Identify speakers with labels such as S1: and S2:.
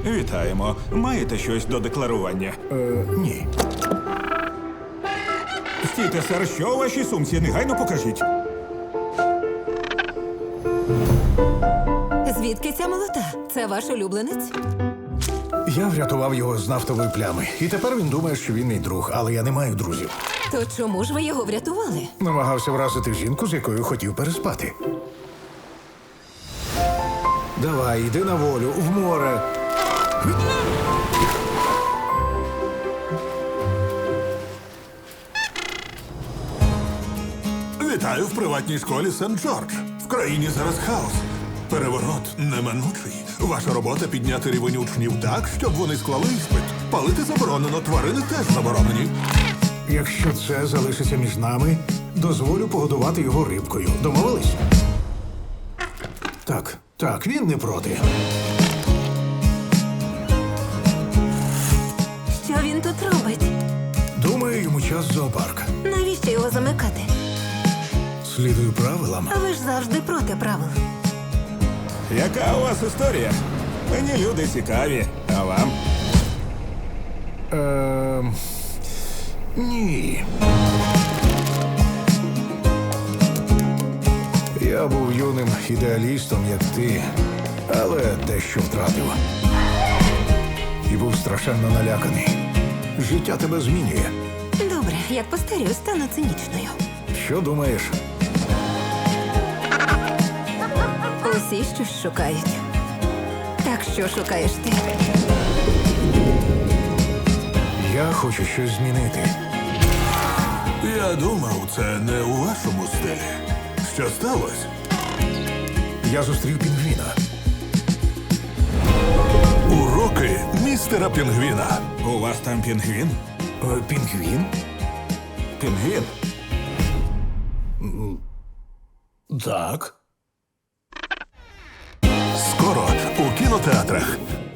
S1: Вітаємо. Маєте щось до декларування?
S2: Ні.
S1: Стійте, сер, що у вашій сумці? Негайно покажіть.
S3: Звідки ця молота? Це ваш улюбленець?
S2: Я врятував його з нафтової плями. І тепер він думає, що він мій друг, але я не маю друзів.
S3: То чому ж ви його врятували?
S2: Намагався вразити жінку, з якою хотів переспати. Давай, йди на волю, в море.
S4: Вітаю в приватній школі Сент-Джордж. В країні зараз хаос. Переворот неминучий. Ваша робота підняти рівень учнів так, щоб вони склали іспит. Палити заборонено, тварини теж заборонені.
S2: Якщо це залишиться між нами, дозволю погодувати його рибкою. Домовились? Так, він не проти.
S3: Що він тут робить?
S2: Думаю, йому час в зоопарк.
S3: Навіщо його замикати?
S2: Слідую правилам.
S3: А ви ж завжди проти правил.
S1: Яка у вас історія? Мені люди цікаві. А вам?
S2: Ні. Я був юним ідеалістом, як ти, але дещо втратив. І був страшенно наляканий. Життя тебе змінює.
S3: Добре, як постарію, стану цинічною.
S2: Що думаєш?
S3: Усі щось шукають. Так що шукаєш ти?
S2: Я хочу щось змінити.
S4: Я думав, це не у вашому стилі. Що сталося?
S2: Я зустрів пінгвіна.
S4: Уроки містера Пінгвіна.
S1: У вас там пінгвін?
S2: Пінгвін?
S1: Пінгвін?
S2: Так.
S4: Скоро у кінотеатрах.